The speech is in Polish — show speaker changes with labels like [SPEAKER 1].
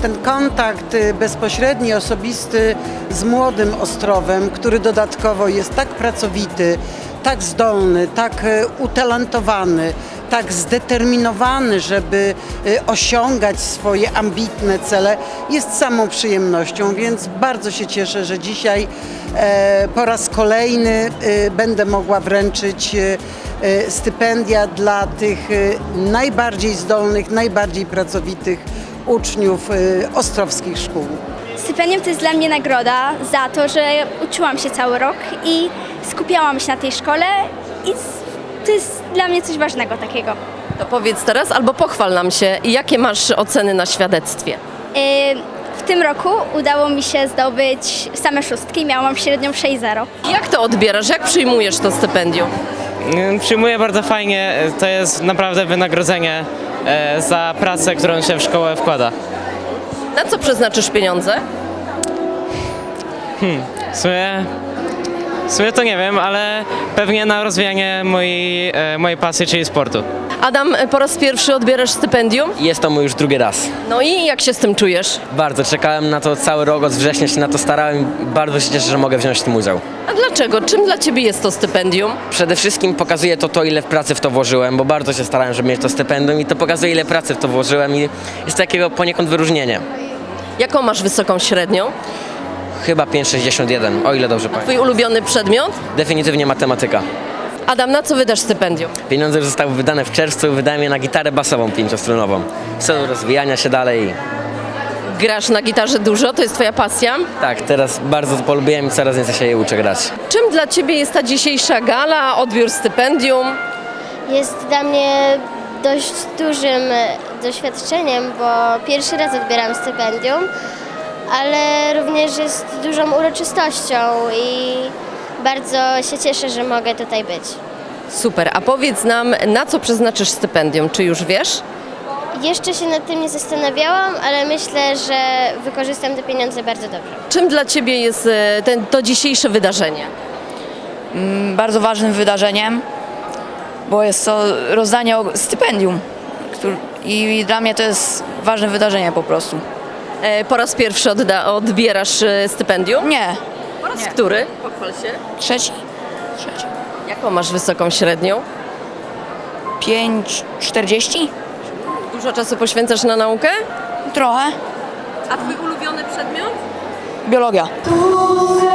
[SPEAKER 1] ten kontakt bezpośredni, osobisty z młodym Ostrowem, który dodatkowo jest tak pracowity, tak zdolny, tak utalentowany, tak zdeterminowany, żeby osiągać swoje ambitne cele, jest samą przyjemnością, więc bardzo się cieszę, że dzisiaj po raz kolejny będę mogła wręczyć stypendia dla tych najbardziej zdolnych, najbardziej pracowitych uczniów ostrowskich szkół.
[SPEAKER 2] Stypendium to jest dla mnie nagroda za to, że uczyłam się cały rok i skupiałam się na tej szkole i to jest dla mnie coś ważnego takiego.
[SPEAKER 3] To powiedz teraz albo pochwal nam się, jakie masz oceny na świadectwie.
[SPEAKER 2] W tym roku udało mi się zdobyć same szóstki, miałam średnią 6,0.
[SPEAKER 3] Jak to odbierasz? Jak przyjmujesz to stypendium?
[SPEAKER 4] Przyjmuję bardzo fajnie, to jest naprawdę wynagrodzenie za pracę, którą się w szkołę wkłada.
[SPEAKER 3] Na co przeznaczysz pieniądze?
[SPEAKER 4] W sumie to nie wiem, ale pewnie na rozwijanie mojej pasji, czyli sportu.
[SPEAKER 3] Adam, po raz pierwszy odbierasz stypendium?
[SPEAKER 5] Jest to mój już drugi raz.
[SPEAKER 3] No i jak się z tym czujesz?
[SPEAKER 5] Bardzo czekałem na to cały rok, od września się na to starałem i bardzo się cieszę, że mogę wziąć w tym udział.
[SPEAKER 3] A dlaczego? Czym dla Ciebie jest to stypendium?
[SPEAKER 5] Przede wszystkim pokazuje to, ile pracy w to włożyłem, bo bardzo się starałem, żeby mieć to stypendium i to pokazuje, ile pracy w to włożyłem i jest takiego poniekąd wyróżnienie.
[SPEAKER 3] Jaką masz wysoką średnią?
[SPEAKER 5] Chyba 5,61, o ile dobrze pamiętam.
[SPEAKER 3] Twój ulubiony przedmiot?
[SPEAKER 5] Definitywnie matematyka.
[SPEAKER 3] Adam, na co wydasz stypendium?
[SPEAKER 5] Pieniądze już zostały wydane w czerwcu, wydałem je na gitarę basową 5-stronową. W celu rozwijania się dalej.
[SPEAKER 3] Grasz na gitarze dużo? To jest Twoja pasja?
[SPEAKER 5] Tak, teraz bardzo to polubiłem i coraz więcej się jej uczę grać.
[SPEAKER 3] Czym dla Ciebie jest ta dzisiejsza gala, odbiór stypendium?
[SPEAKER 6] Jest dla mnie dość dużym doświadczeniem, bo pierwszy raz odbieram stypendium, ale również jest dużą uroczystością i bardzo się cieszę, że mogę tutaj być.
[SPEAKER 3] Super, a powiedz nam, na co przeznaczysz stypendium? Czy już wiesz?
[SPEAKER 6] Jeszcze się nad tym nie zastanawiałam, ale myślę, że wykorzystam te pieniądze bardzo dobrze.
[SPEAKER 3] Czym dla Ciebie jest to dzisiejsze wydarzenie?
[SPEAKER 7] Bardzo ważnym wydarzeniem, bo jest to rozdanie stypendium i dla mnie to jest ważne wydarzenie po prostu.
[SPEAKER 3] Po raz pierwszy odbierasz stypendium?
[SPEAKER 7] Nie,
[SPEAKER 3] Po raz który? Pochwal się.
[SPEAKER 7] trzeci,
[SPEAKER 3] Jaką masz wysoką średnią?
[SPEAKER 7] 5,40?
[SPEAKER 3] Dużo czasu poświęcasz na naukę?
[SPEAKER 7] Trochę.
[SPEAKER 3] A Twój ulubiony przedmiot?
[SPEAKER 7] Biologia.